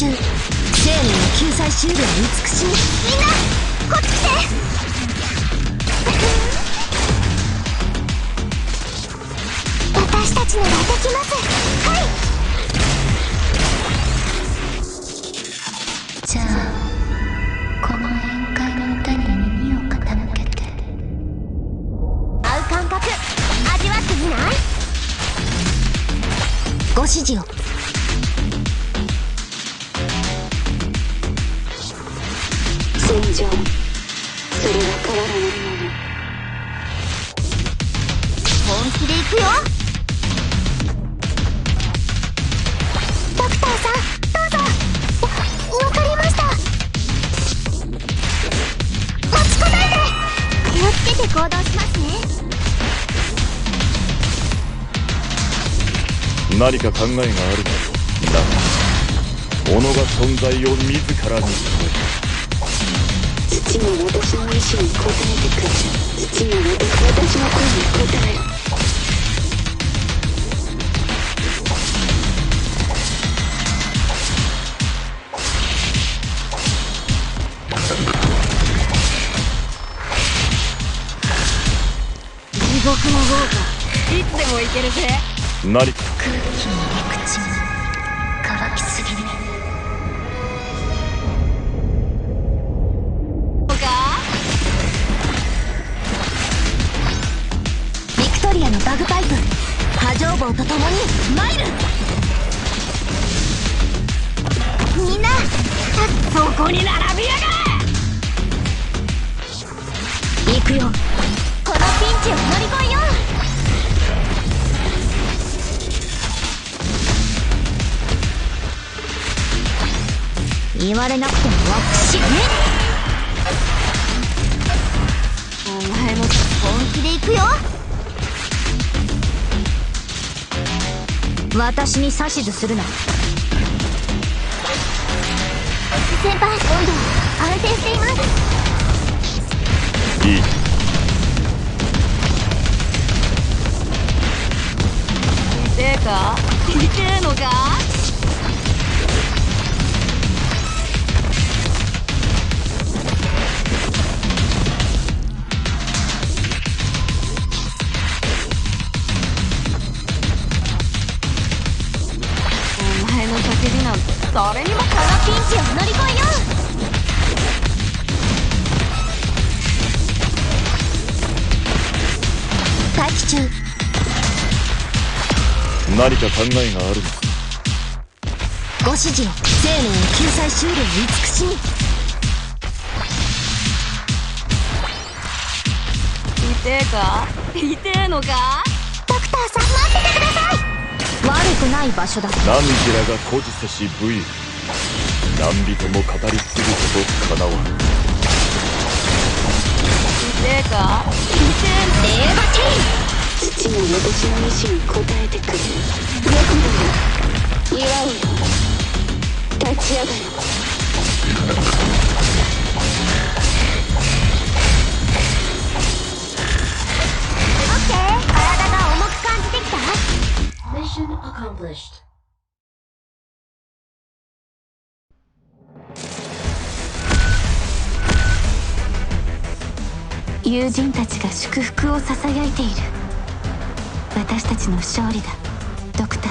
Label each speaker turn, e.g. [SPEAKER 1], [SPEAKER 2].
[SPEAKER 1] 中。生命の救済シールは美しい。みんなこっち来て。私たちならできます。はい。じゃあこの宴会の歌に耳を傾けて。合う感覚味わってみない？ご指示を。
[SPEAKER 2] 戦場、それは変わらないもの。
[SPEAKER 1] 本気で行くよ。ドクターさん、どうぞ。わかりました。持ちこないで。気をつけて行動しますね。
[SPEAKER 3] 何か考えがあるのよ。だが己が存在を自らに問え。
[SPEAKER 2] 土も私の意志に応えてくる。土も私の声に応える。
[SPEAKER 1] 地獄の豪華、いつでもいけるぜ。
[SPEAKER 3] 何か
[SPEAKER 1] 空気の陸地に乾きすぎる。ビクトリアのバグパイプ、波状棒と共にマイル。みんなそこに並びやがれ。行くよ。このピンチを乗り越えよう。言われなくても私ね。お前も本気で行くよ。私に指図するな。先輩、温度安定しています。
[SPEAKER 3] いい。
[SPEAKER 1] 痛えか？痛えのか？お前の叫びなんて誰にも。このピンチを乗り越えよう。待機中。
[SPEAKER 3] 何か考えがあるのか。
[SPEAKER 1] ご指示を。生命の救済シールを慈しみ。痛えか？痛えのか？ドクターさん、待っててください。悪くない場所だ。
[SPEAKER 3] 何時らが孤児せし武勇。何人も語り継ぐことかなわん。
[SPEAKER 1] 痛えか？痛えの。レーバティー。
[SPEAKER 2] 土も私の意志に応えてくれる。猫だよ、祝うよ、立ち上がる。
[SPEAKER 1] オッケー。体が重く感じてきた。
[SPEAKER 4] Mission accomplished.
[SPEAKER 2] 友人たちが祝福をささやいている。私たちの勝利だ、ドクター。